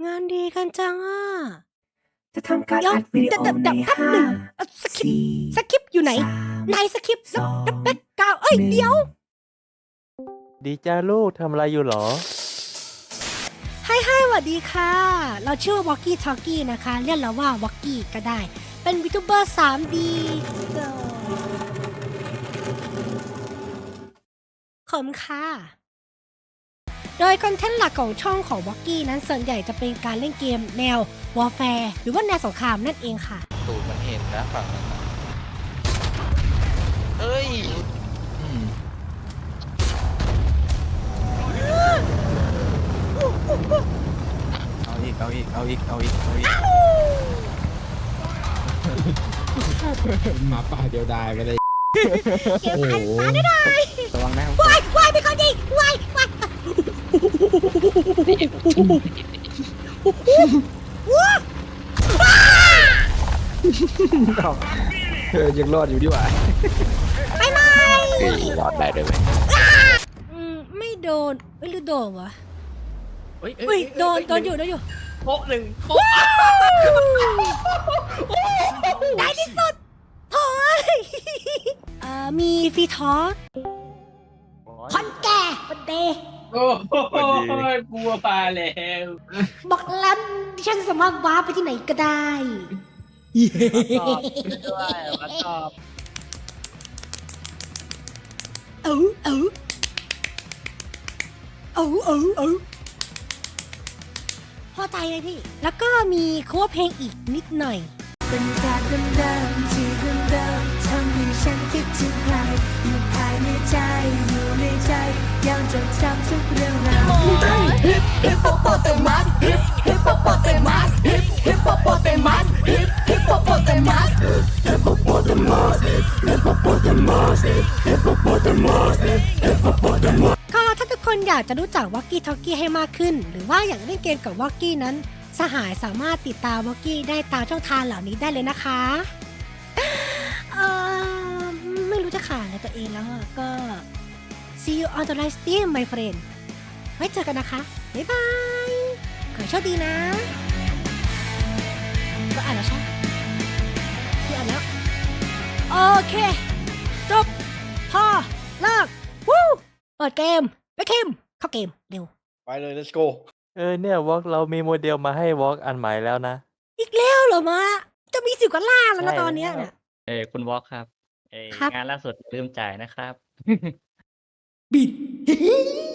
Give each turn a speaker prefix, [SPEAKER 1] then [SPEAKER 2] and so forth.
[SPEAKER 1] งานดีกันจังอ่ะ
[SPEAKER 2] จะทำการ
[SPEAKER 1] เดี๋ยว
[SPEAKER 2] อัดวิดีโอ
[SPEAKER 1] เดี๋ยว
[SPEAKER 2] ใน
[SPEAKER 1] แป๊บ
[SPEAKER 2] ห้า
[SPEAKER 1] หนึ่งสคริปต์
[SPEAKER 2] สี่
[SPEAKER 1] สคริปต์อยู่ไหน
[SPEAKER 2] สาม
[SPEAKER 1] ไหนสคริปต์
[SPEAKER 2] สอง
[SPEAKER 1] แล้วแบ็กกราวด์เดี๋ยว
[SPEAKER 3] ดีจ้าลูกทำอะไรอยู่หรอ
[SPEAKER 1] ให้สวัสดีค่ะ เราชื่อวอกกี้ทอกกี้นะคะ เรียกเราว่าวอกกี้ก็ได้ เป็นวิทูเบอร์ 3D ขอบคุณค่ะ โดยคอนเทนต์หลักของช่องของวอกกี้นั้นส่วนใหญ่จะเป็นการเล่นเกมแนววอร์แฟร์หรือว่าแนวสงครามนั่นเองค่ะ
[SPEAKER 4] ตูดมันเห็นนะฝั่งนั้นน่ะเฮ้ยอืม
[SPEAKER 5] เอาอีก เอาอีก เอาอีก เอาอีก เอาอีก
[SPEAKER 6] หมาป่าเดียวดายไปเลย
[SPEAKER 1] เกมพันฟ้าได้
[SPEAKER 5] ระวังนะ
[SPEAKER 1] วายวายเป็นคนดีวายวายว้า
[SPEAKER 5] ยังรอดอยู่ดีกว่า
[SPEAKER 1] ไปไหม
[SPEAKER 5] รอดได้ด้วยไหม
[SPEAKER 1] ไม่โดนหรือโดนวะ
[SPEAKER 6] เฮ้ย
[SPEAKER 1] อุ้ยโดนอยู่
[SPEAKER 6] โป๊ะหนึ่งโป๊ะ
[SPEAKER 1] ได้ที่สุดโอ้ยมีฟีทอสคอนแก่บันเด
[SPEAKER 6] โอ้โหกลัวปลาแล้ว
[SPEAKER 1] บอกแล้วดิฉันสามารถว้าร์ปไปที่ไหนก็ได้
[SPEAKER 6] ตอบด้วยมาตอบ
[SPEAKER 1] เอาพอใจเลยพี่ แล้วก็มีคัวเพลงอีกนิดหน่อย
[SPEAKER 2] เป็นการเดิมๆที่เดิมๆทำให้ฉันคิดถึงใครอยู่ภายในใจอยู่ในใจยังจดจำทุกเรื่องราวฮิปโปโปเตมัสฮิปโปโปเตมัสฮิปโปโปเตมัสฮิปโปโปเตมัสฮิปโปโปเตมัสฮิปโปโปเตมัสฮิปโปโปเตมัสฮิปโปโปเตมัส
[SPEAKER 1] ก็ถ้าทุกคนอยากจะรู้จักวอกกี้ทอกกี้ให้มากขึ้น หรือว่าอยากเล่นเกมกับวอกกี้นั้น สหายสามารถติดตามวอกกี้ได้ตามช่องทางเหล่านี้ได้เลยนะคะไม่รู้จะขายอะไรตัวเองแล้วอะก็ see you on the live stream my friend ไว้เจอกันนะคะ บ๊ายบาย ขอให้โชคดีนะ ก็อ่านแล้วใช่พี่อ่านแล้ว โอเค จบ พอเลิกวู้เปิดเกมไปคิมเข้าเกม เร็ว
[SPEAKER 5] ไปเลย let's go
[SPEAKER 3] เนี่ยวอล์กเรามีโมเดลมาให้วอล์กอันใหม่แล้วนะ
[SPEAKER 1] อีกแล้วเหรอมะจะมี10 กว่าล่างแล้วนะ
[SPEAKER 3] ใช่
[SPEAKER 1] ตอนเนี้ย
[SPEAKER 3] แล้ว
[SPEAKER 1] น่ะ
[SPEAKER 7] คุณวอล์กครับ
[SPEAKER 1] ครับ
[SPEAKER 7] งานล่าสุดลืมจ่ายนะครับ
[SPEAKER 1] บิด